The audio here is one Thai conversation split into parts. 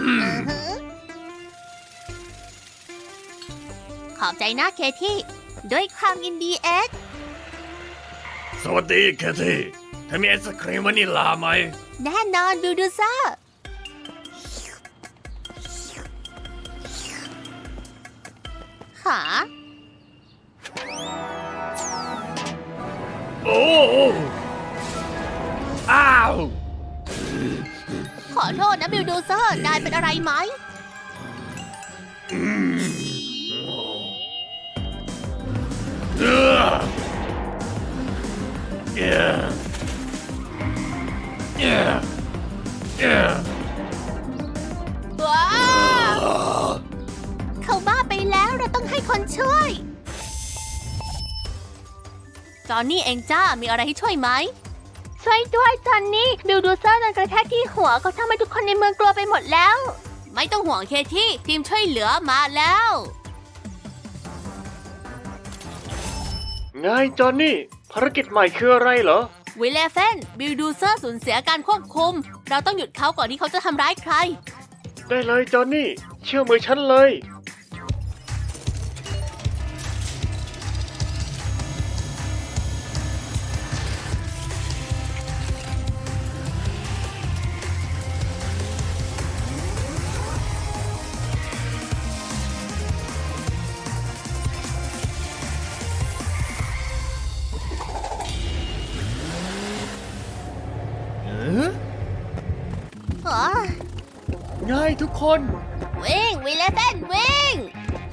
ขอบใจนะเคที่ด้วยความยินดีเอ็กสวัสดีเคที่เธอมีไอศครีมวานิลลาไหมแน่นอนบิลดูเซอร์หาโอ้อ้าวขอโทษนะบิลดูเซอร์นายเป็นอะไรไหมเออเออเออเออว้าวเขาบ้าไปแล้วเราต้องให้คนช่วย จอนนี่เองจ้ามีอะไรให้ช่วยไหม ช่วยด้วยจอนนี่บิลดูเซอร์โดนกระแทกที่หัวเขาทำให้ทุกคนในเมืองกลัวไปหมดแล้ว ไม่ต้องห่วงเคที่ทีมช่วยเหลือมาแล้วไงจอนนี่ภารกิจใหม่คืออะไรเหรอวิลเลฟนบิลดูเซอร์สูญเสียการควบคุม เราต้องหยุดเขาก่อนที่เขาจะทำร้ายใครได้เลยจอนนี่เชื่อมือฉันเลยไงทุกคนวิ่งวิลเลฟนวิ่ง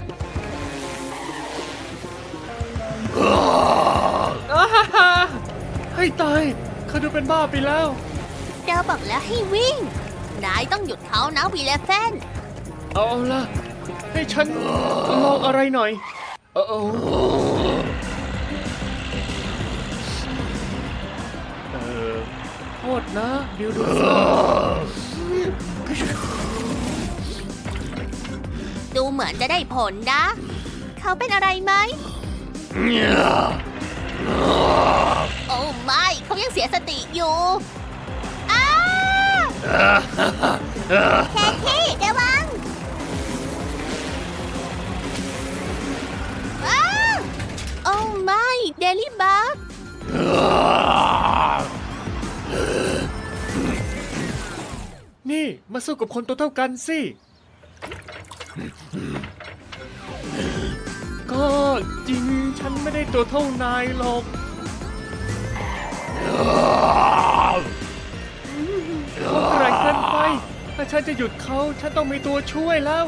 ให้ตายเขาดูเป็นบ้าไปแล้วเราบอกแล้วให้วิ่ง นายต้องหยุดเขานะวิลเลฟนเอาล่ะ ให้ฉันลองอะไรหน่อยโอ้โทษนะบิลดูเซอร์ดูเหมือนจะได้ผลนะ เขาเป็นอะไรไหม โอ้ไม่เขายังเสียสติอยู่อ้าแคที่ระวังอ้าโอ้ไม่เดลี่บักนี่มาสู้กับคนตัวเท่ากันสิ ก็จริงฉันไม่ได้ตัวเท่านายหรอกเขาแกร่งเกินไป ถ้าฉันจะหยุดเขาฉันต้องมีตัวช่วยแล้ว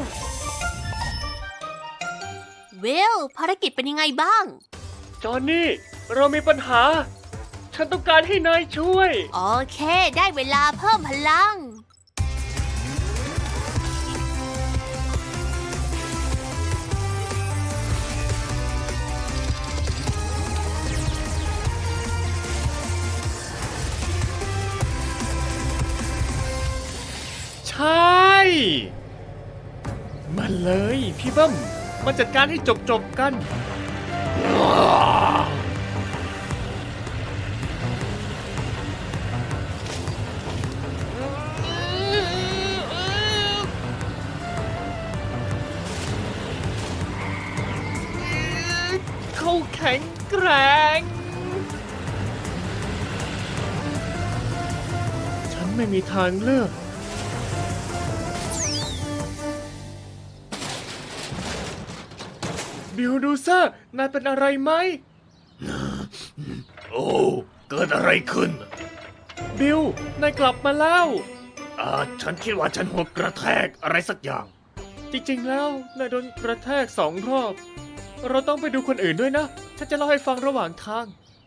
วิลภารกิจเป็นยังไงบ้างจอห์นนี่ เรามีปัญหา ฉันต้องการให้นายช่วยโอเค ได้เวลาเพิ่มพลังใช่ มันเลยพี่เบิ้มมาจัดการให้จบกัน เขาแข็งแกร่ง ฉันไม่มีทางเลือก บิลดูเซอร์นายเป็นอะไรไหมโอ้เกิดอะไรขึ้นบิล นายกลับมาแล้วฉันคิดว่าฉันหัวกระแทกอะไรสักอย่างจริงๆ แล้วนายโดนกระแทก2 รอบ เราต้องไปดูคนอื่นด้วยนะ ฉันจะเล่าให้ฟังระหว่างทาง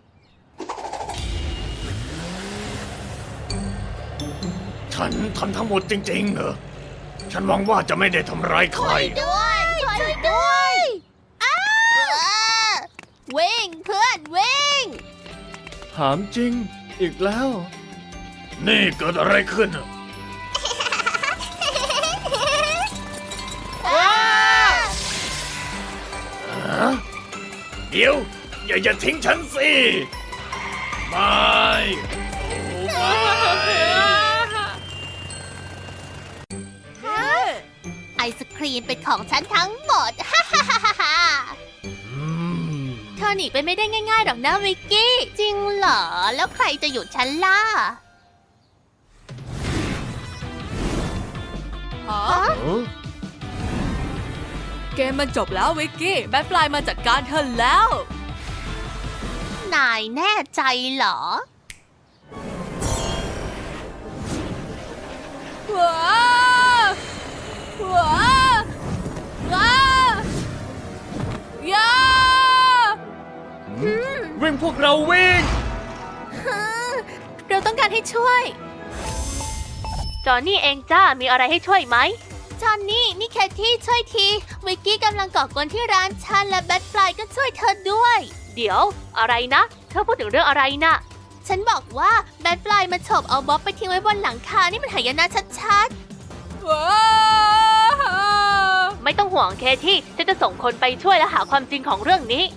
ฉันทำทั้งหมดจริงๆเหรอ ฉันหวังว่าจะไม่ได้ทำร้ายใครด้วยช่วยด้วยอ้าวิ่งเพื่อนวิ่งถามจริง อีกแล้วนี่เกิดอะไรขึ้น เดี๋ยว อย่าทิ้งฉันสิไม่โอ้ไม่ครีมเป็นของฉันทั้งหมด ฮ่าฮ่าฮ่าฮ่าฮ่าอืมเธอหนีไปไม่ได้ง่ายๆหรอกนะวิกกี้ จริงเหรอ แล้วใครจะหยุดฉันล่ะฮะเออเกมมันจบแล้ววิกกี้ แบทฟลายมาจัดการเธอแล้วนายแน่ใจเหรอว้าวว้าวว้าวย่าวิ่งพวกเราวิ่งเราต้องการให้ช่วย จอห์นนี่เองจ้า มีอะไรให้ช่วยไหม จอห์นนี่ นี่แคทที่ช่วยที วิกกี้กำลังก่อกวนที่ร้านฉันและแบทฟลายก็ช่วยเธอด้วย เดี๋ยว อะไรนะ เธอพูดถึงเรื่องอะไรนะ ฉันบอกว่าแบทฟลายมาฉกเอาบ๊อบไปทิ้งไว้บนหลังคา นี่มันหายนะชัดว้าวๆ ไม่ต้องห่วงเคที่ฉันจะส่งคนไปช่วยและหาความจริงของเรื่องนี้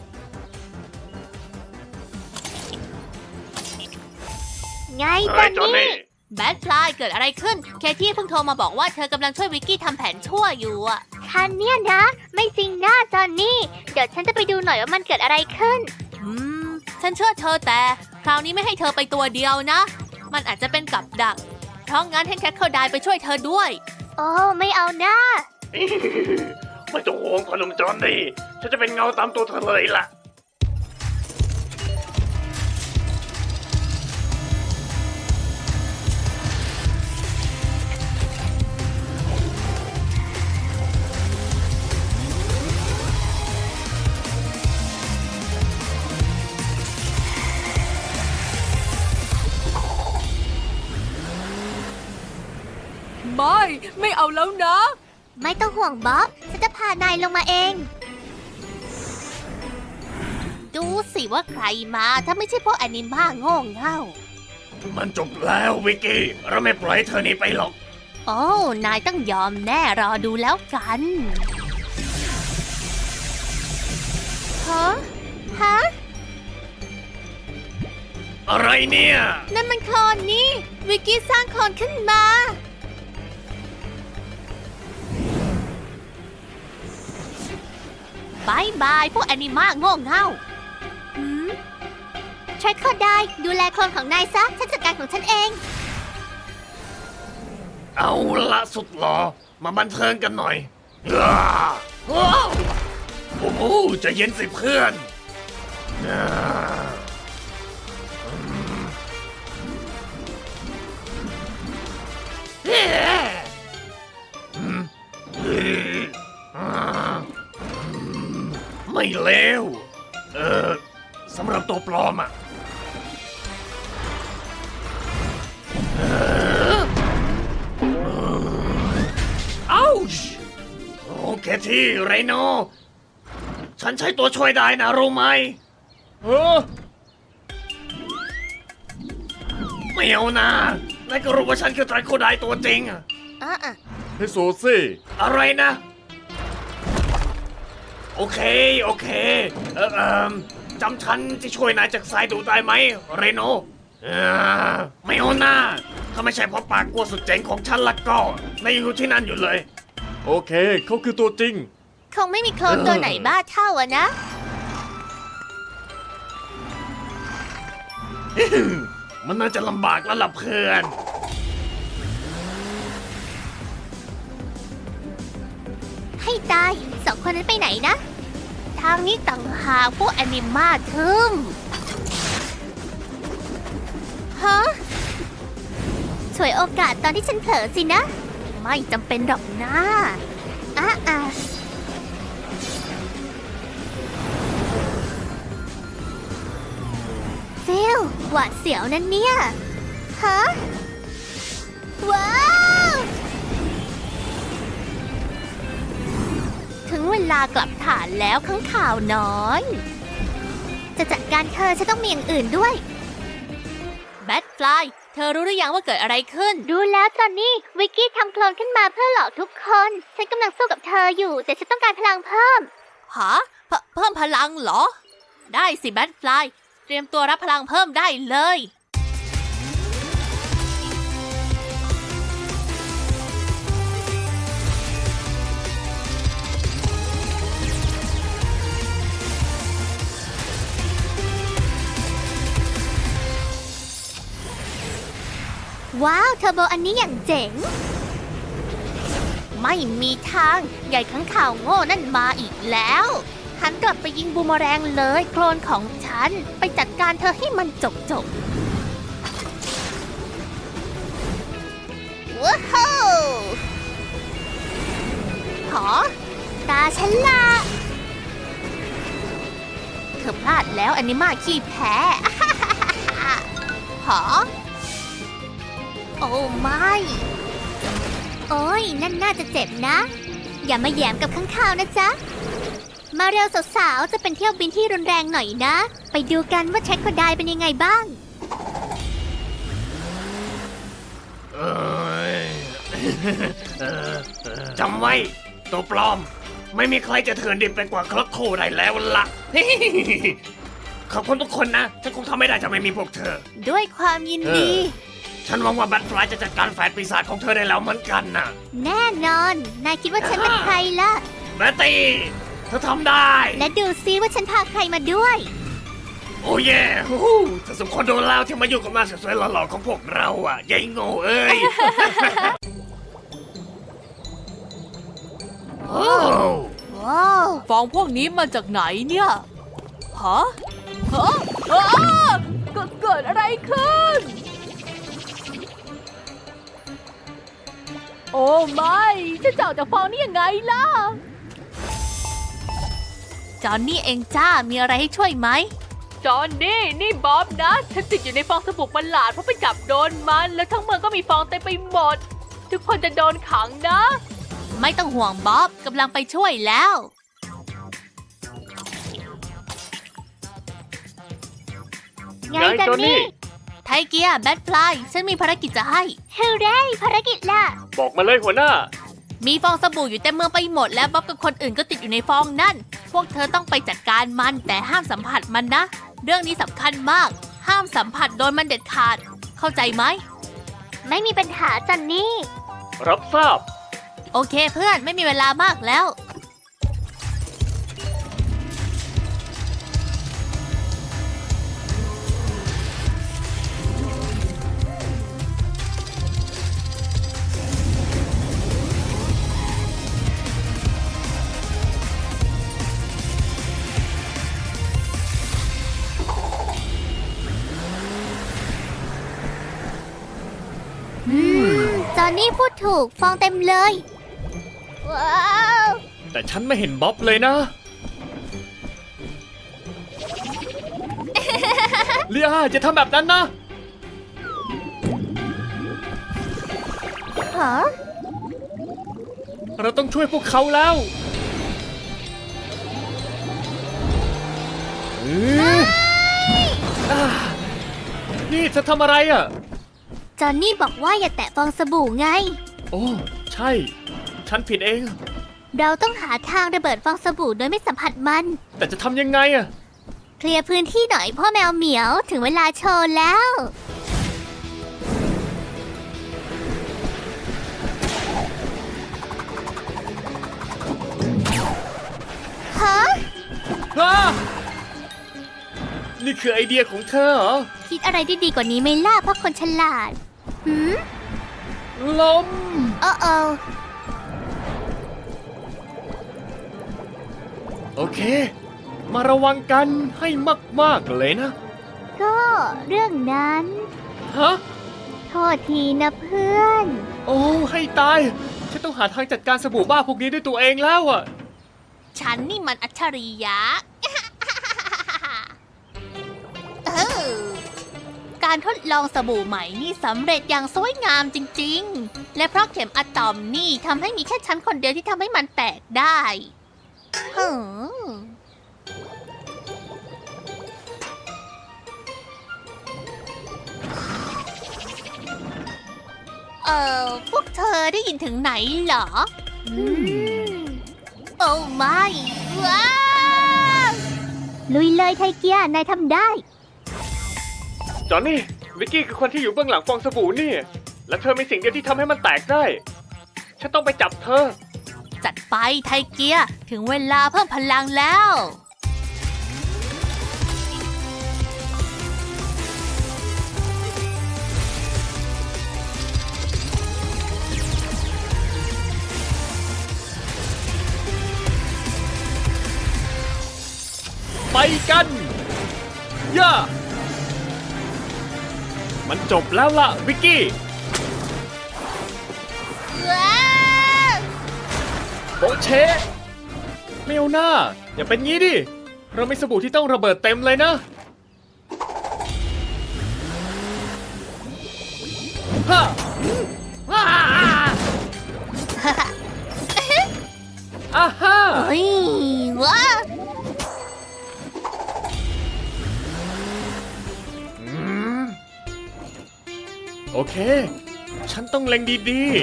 ไงเฮ้ยจอนนี่แบทฟลายเกิดอะไรขึ้น เคที่เพิ่งโทรมาบอกว่าเธอกำลังช่วยวิกกี้ทำแผนชั่วอยู่อะคันเนี่ยนะ ไม่จริงนะจอนนี่ เดี๋ยวฉันจะไปดูหน่อยว่ามันเกิดอะไรขึ้น ฉันเชื่อเธอแต่ คราวนี้ไม่ให้เธอไปตัวเดียวนะ มันอาจจะเป็นกับดัก เพราะงั้นให้แคทเคอร์ไดไปช่วยเธอด้วย โอ้ไม่เอานะไม่ต้องห่วงขนมจอนนี่ฉันจะเป็นเงาตามตัวเธอเลยล่ะไม่เอาแล้วนะไม่ต้องห่วงบ๊อบ ฉันจะพานายลงมาเอง ดูสิว่าใครมาถ้าไม่ใช่พวกแอนิม่าโง่เง่ามันจบแล้ววิกกี้ เราไม่ปล่อยให้เธอหนีไปหรอกโอ้ นายต้องยอมแน่รอดูแล้วกัน ฮะ ฮะอะไรเนี่ยนั่นมันโคลนนี่ วิกกี้สร้างโคลนขึ้นมา บายบายพวกแอนิมาโง่เง่าใช้โคลนได้ดูแลโคลนของนายซะ ฉันจัดการของฉันเองเอาละสุดหลอมาบันเทิงกันหน่อยอ้าว้าวโอ้โหใจะเย็นสิเพื่อนอ่าเฮ้อืมเฮ้อ่าไม่เลวสำหรับตัวปลอมอ่ะ อ้าวโอเคที่ไรโน ฉันใช้ตัวช่วยได้นะรู้ไหมเออไม่เอานะนายก็รู้ว่าฉันคือไตรโคไดตัวจริงอะให้โซซี่อะไรนะ โอเค โอเค จำฉันที่ช่วยนายจากสายดูได้ไหมเรโนไม่เอานะถ้าไม่ใช่เพราะปากกลัวสุดเจ๋งของฉันละก็นายยังอยู่ที่นั่นอยู่เลยโอเค เขาคือตัวจริงคงไม่มีโคลนตัวไหนบ้าเท่าอะนะมันน่าจะลำบากแล้วล่ะเพื่อนให้ตายสองคนนั้นไปไหนนะ ทางนี้ต่างหากพวกแอนิมาทึมฮะฉวยโอกาสตอนที่ฉันเผลอสินะ ไม่จำเป็นหรอกนะฟิลหวาดเสียวนั่นเนี่ย ฮะ ว้าว ถึงเวลากลับฐานแล้วข้างข่าวน้อย จะจัดการเธอฉันต้องมีอย่างอื่นด้วยแบทฟลายเธอรู้หรือยังว่าเกิดอะไรขึ้น รู้แล้วจอนนี่วิกกี้ทำโคลนขึ้นมาเพื่อหลอกทุกคน ฉันกำลังสู้กับเธออยู่แต่ฉันต้องการพลังเพิ่มฮะเพิ่มพลังเหรอ ได้สิแบทฟลายเตรียมตัวรับพลังเพิ่มได้เลยว้าวเทอร์โบอันนี้อย่างเจ๋ง ไม่มีทางใหญ่ข้างข่าวโง่นั่นมาอีกแล้วหันกลับไปยิงบูมเมอแรงเลยโคลนของฉันไปจัดการเธอให้มันจบว้าวหอตาฉันละเธอพลาดแล้วอันนี้มาขี้แพ้ หอโอ้ไม่โอ้ยนั่นน่าจะเจ็บนะ อย่ามาแหยมกับข้างข่าวนะจ๊ะ มาเร็วสาวๆจะเป็นเที่ยวบินที่รุนแรงหน่อยนะ ไปดูกันว่าแทร็กโคไดเป็นยังไงบ้างเอ้ย จำไว้ตัวปลอม ไม่มีใครจะเถื่อนดิบไปกว่าคลักโคได้แล้วล่ะ ขอบคุณทุกคนนะ ฉันคงทำไม่ได้จะไม่มีพวกเธอด้วยความยินดีฉันหวังว่าแบทฟลายจะจัดการแฝดปีศาจของเธอได้แล้วเหมือนกันนะแน่นอน นายคิดว่าฉันเป็นใครล่ะแบตตี้เธอทำได้และดูซิว่าฉันพาใครมาด้วยโอ้เย่ฮู้เธอสมควรโดนแล้วที่มาอยู่กับหน้าสวยๆหล่อๆของพวกเราอ่ะยายโง่เอ้ย โอ้ว้าวฟองพวกนี้มาจากไหนเนี่ย ฮะอ้าเกิดอะไรขึ้น โอ้ไม่จะจะออกจากฟองนี่ยังไงล่ะจอนนี่เองจ้า มีอะไรให้ช่วยไหมจอนนี่บ๊อบนะ ฉันติดอยู่ในฟองสบู่ประหลาดเพราะไปจับโดนมัน แล้วทั้งเมืองก็มีฟองเต็มไปหมด ทุกคนจะโดนขังนะไม่ต้องห่วงบ๊อบกำลังไปช่วยแล้ว ไงจอนนี่ ไทเกียแบทฟลายฉันมีภารกิจจะให้เฮ้เร่ภารกิจล่ะบอกมาเลยหัวหน้ามีฟองสบู่อยู่เต็มเมืองไปหมดแล้วบ๊อบกับคนอื่นก็ติดอยู่ในฟองนั่น พวกเธอต้องไปจัดการมันแต่ห้ามสัมผัสมันนะ เรื่องนี้สำคัญมาก ห้ามสัมผัสโดนมันเด็ดขาด เข้าใจไหม ไม่มีปัญหาจันนี่รับทราบโอเคเพื่อนไม่มีเวลามากแล้ว จอนนี่พูดถูกฟองเต็มเลย ว้าวแต่ฉันไม่เห็นบ๊อบเลยนะ เลียจะทำแบบนั้นนะฮะเราต้องช่วยพวกเขาแล้วนี่จะทำอะไรอ่ะจอนนี่บอกว่าอย่าแตะฟองสบู่ไงโอ้ ใช่ ฉันผิดเองเราต้องหาทางระเบิดฟองสบู่โดยไม่สัมผัสมันแต่จะทำยังไงอ่ะเคลียร์พื้นที่หน่อยพ่อแมวเหมียวถึงเวลาโชว์แล้ว ฮะนี่คือไอเดียของเธอเหรอคิดอะไรได้ดีกว่านี้ไหม่ล่ะเพราะคนฉลาด หืมลมโอ้โอโอเค มาระวังกันให้มากๆเลยนะก็เรื่องนั้นฮะโทษทีนะเพื่อนโอ้ ให้ตาย ฉันต้องหาทางจัดการสบู่บ้าพวกนี้ด้วยตัวเองแล้วอ่ะฉันนี่มันอัจฉริยะ การทดลองสบู่ใหม่นี่สำเร็จอย่างสวยงามจริงๆ และเพราะเข็มอะตอมนี่ทำให้มีแค่ฉันคนเดียวที่ทำให้มันแตกได้พวกเธอได้ยินถึงไหนเหรอ โอ้ไม่ว้าวลุยเลยไทเกียนายทำได้จอนนี่ วิกกี้คือคนที่อยู่เบื้องหลังฟองสบู่นี่ และเธอมีสิ่งเดียวที่ทำให้มันแตกได้ ฉันต้องไปจับเธอจัดไปไทเกียถึงเวลาเพิ่มพลังแล้วกันย่ามันจบแล้วล่ะวิกกี้ว้าวโบเชไม่เอาหน้า อย่าเป็นงี้ดิ เรามีสบู่ที่ต้องระเบิดเต็มเลยนะฮ่าอ่าฮ่าเฮ้ยว้าวโอเค ฉันต้องเล็งดี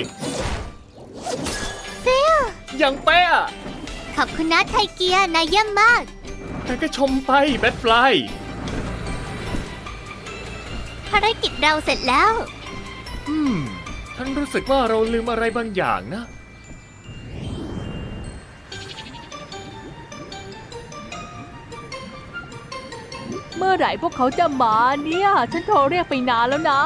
ฟิลๆ อย่างเป๊ะขอบคุณนะไทเกียนายเยี่ยมมากแต่ก็ชมไปแบทฟลายภารกิจเราเสร็จแล้วฉันรู้สึกว่าเราลืมอะไรบางอย่างนะเมื่อไหร่พวกเขาจะมาเนี่ย ฉันโทรเรียกไปนานแล้วนะ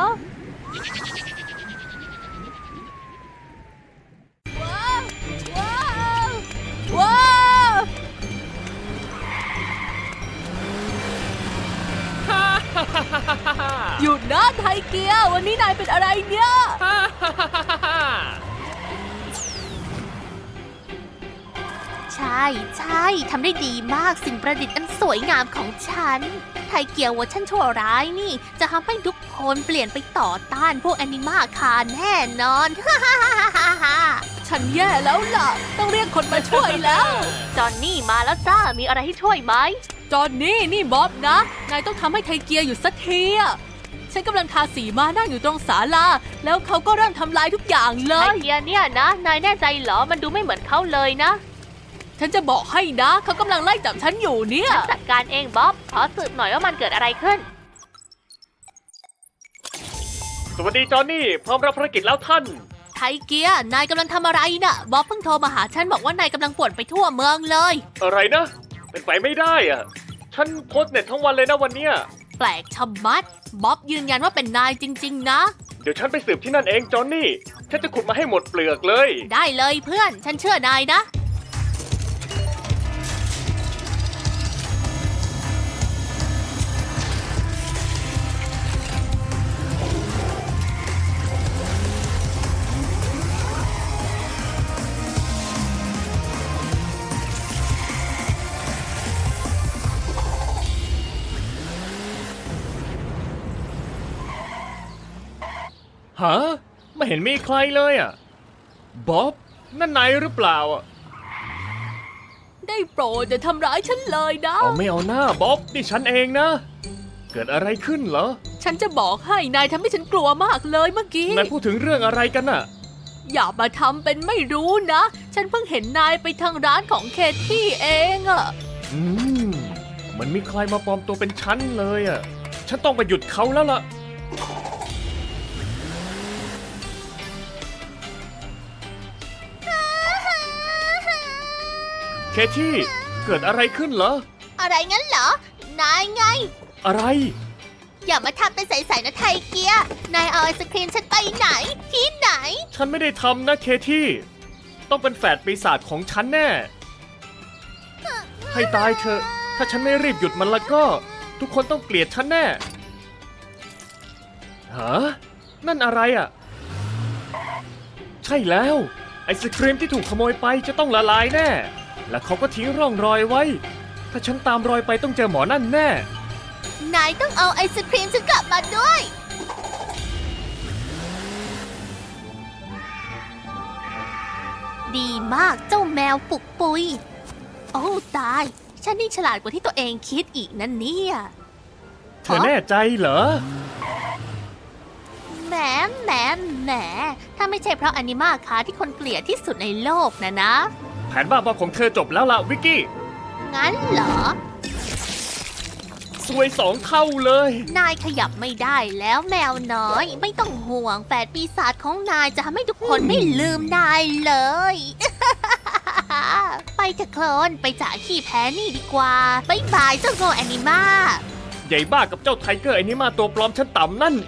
ว้าวหยุดนะไทเกียวันนี้นายเป็นอะไรเนี่ยใช่ใช่ทำได้ดีมากสิ่งประดิษฐ์อันสวยงามของฉัน ไทเกียเวอร์ชันชั่วร้ายนี่ จะทำให้ทุกคนเปลี่ยนไปต่อต้านพวกแอนิมาคาแน่นอนฉันแย่แล้วล่ะ ต้องเรียกคนมาช่วยแล้วจอนนี่มาแล้วจ้า มีอะไรให้ช่วยไหมจอนนี่นี่บ๊อบนะ นายต้องทำให้ไทเกียอยู่สักทีอะฉันกำลังทาสีมานั่งอยู่ตรงศาลา แล้วเขาก็เริ่มทำลายทุกอย่างเลไทยเกียเนี่ยนะ นายแน่ใจเหรอ มันดูไม่เหมือนเขาเลยนะฉันจะบอกให้นะ เขากำลังไล่จับฉันอยู่เนี่ยฉันจัดการเองบ๊อบ ขอสืบหน่อยว่ามันเกิดอะไรขึ้นสวัสดีจอห์นนี่พร้อมรับภารกิจแล้วท่านไทเกียนายกำลังทำอะไรน่ะ บ๊อบเพิ่งโทรมาหาฉันบอกว่านายกำลังป่วนไปทั่วเมืองเลยอะไรนะ เป็นไปไม่ได้อ่ะ ฉันโพสต์เน็ตทั้งวันเลยนะวันเนี้ยแปลกชะมัด บ๊อบยืนยันว่าเป็นนายจริง ๆ นะเดี๋ยวฉันไปสืบที่นั่นเองจอห์นนี่ ฉันจะขุดมาให้หมดเปลือกเลยได้เลยเพื่อน ฉันเชื่อนายนะฮะ ไม่เห็นมีใครเลยอ่ะ บ๊อบ นั่นนายหรือเปล่าอ่ะได้โปรดอย่าทำร้ายฉันเลยนะเอาไม่เอาหน้าบ๊อบ นี่ฉันเองนะ เกิดอะไรขึ้นเหรอฉันจะบอกให้นายทำให้ฉันกลัวมากเลยเมื่อกี้นายพูดถึงเรื่องอะไรกันน่ะอย่ามาทำเป็นไม่รู้นะ ฉันเพิ่งเห็นนายไปทางร้านของเคที่เองอะมันมีใครมาปลอมตัวเป็นฉันเลยอ่ะ ฉันต้องไปหยุดเขาแล้วล่ะ เคที่ เกิดอะไรขึ้นเหรออะไรงั้นเหรอ นายไงอะไรอย่ามาทำเป็นใสๆนะไทเกีย นายเอาไอศครีมฉันไปไหน ที่ไหนฉันไม่ได้ทำนะเคที่ ต้องเป็นแฝดปีศาจของฉันแน่ ให้ตายเถอะ ถ้าฉันไม่รีบหยุดมันแล้วก็ ทุกคนต้องเกลียดฉันแน่ ฮะ นั่นอะไรอ่ะ ใช่แล้ว ไอศครีมที่ถูกขโมยไปจะต้องละลายแน่ และเขาก็ทิ้งร่องรอยไว้ ถ้าฉันตามรอยไปต้องเจอหมอนั่นแน่นายต้องเอาไอศครีมฉันกลับมาด้วย ดีมากเจ้าแมวปุกปุย โอ้ตาย ฉันนี่ฉลาดกว่าที่ตัวเองคิดอีกนั่นเนี่ยเธอแน่ใจเหรอแหมแหมแหมถ้าไม่ใช่เพราะอนิมาคาที่คนเกลียดที่สุดในโลกนะแผนบ้าบอของเธอจบแล้วล่ะวิกกี้งั้นเหรอซวย2 เท่าเลยนายขยับไม่ได้แล้วแมวน้อย ไม่ต้องห่วงแฝดปีศาจของนายจะทำให้ทุกคนไม่ลืมนายเลย ไปเถอะโคลนไปจ่ายขี้แพ้นี่ดีกว่าบ๊ายบายเจ้าโง่แอนิมาใหญ่บ้ากับเจ้าไทเกอร์ไอ้นี่มาตัวปลอมฉันต่ำนั่น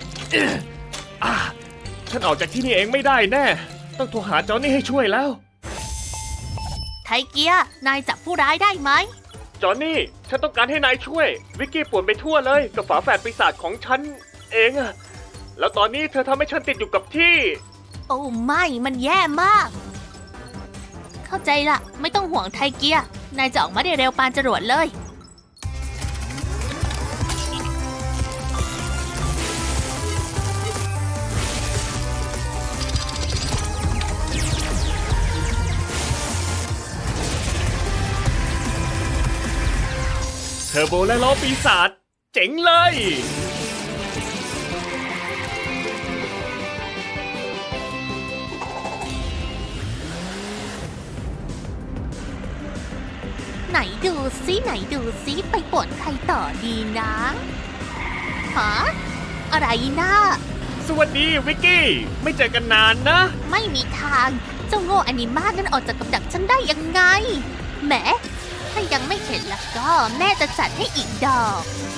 ฉันออกจากที่นี่เองไม่ได้แน่ ต้องโทรหาจอห์นนี่ให้ช่วยแล้วไทเกีย นายจับผู้ร้ายได้ไหมจอห์นนี่ฉันฉันต้องการให้นายช่วย วิกกี้ป่วนไปทั่วเลยกับฝาแฝดปีศาจของฉันเองอะแล้วตอนนี้เธอทำให้ฉันติดอยู่กับที่โอ้ไม่มันแย่มาก เข้าใจละไม่ต้องห่วงไทเกีย นายจะออกมาได้เร็วปานจรวดเลยเทอร์โบและล้อปีศาจเจ๋งเลยไหนดูซิไหนดูซิไปป่วนใครต่อดีนะฮะอะไรนะสวัสดีวิกกี้ ไม่เจอกันนานนะไม่มีทางเจ้าโง่อนิมานั้นออกจากกับดักฉันได้ยังไงแหมถ้ายังไม่เห็นแล้วก็แม่จะจัดให้อีกดอก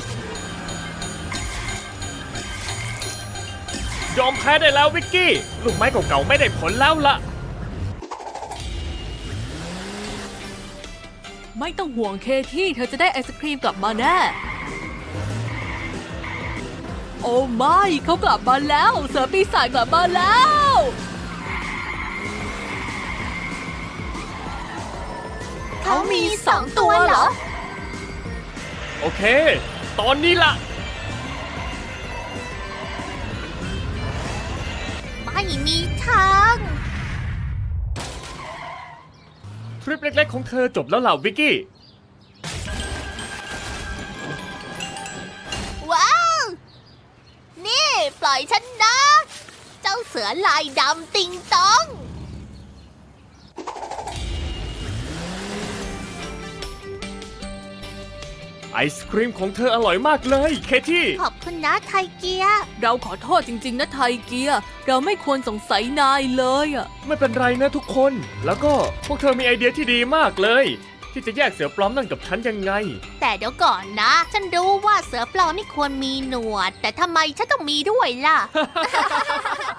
ยอมแพ้ได้แล้ววิกกี้ ลูกไม้เก่าๆไม่ได้ผลแล้วล่ะไม่ต้องห่วงเคที่เธอจะได้ไอศครีมกลับมาแน่ โอ้ไม่เขากลับมาแล้ว เสือปีศาจกลับมาแล้วเขามี2 ตัวเหรอโอเค ตอนนี้ล่ะไม่มีทางทริปเล็กๆของเธอจบแล้วล่ะวิกกี้ว้าว นี่ปล่อยฉันนะ เจ้าเสือลายดำติงตองไอศครีมของเธออร่อยมากเลยเคที่ขอบคุณนะไทเกียเราขอโทษจริงๆนะไทเกีย เราไม่ควรสงสัยนายเลยอะไม่เป็นไรนะทุกคน แล้วก็พวกเธอมีไอเดียที่ดีมากเลย ที่จะแยกเสือปลอมนั่นกับฉันยังไงแต่เดี๋ยวก่อนนะ ฉันรู้ว่าเสือปลอมไม่ควรมีหนวด แต่ทำไมฉันต้องมีด้วยล่ะ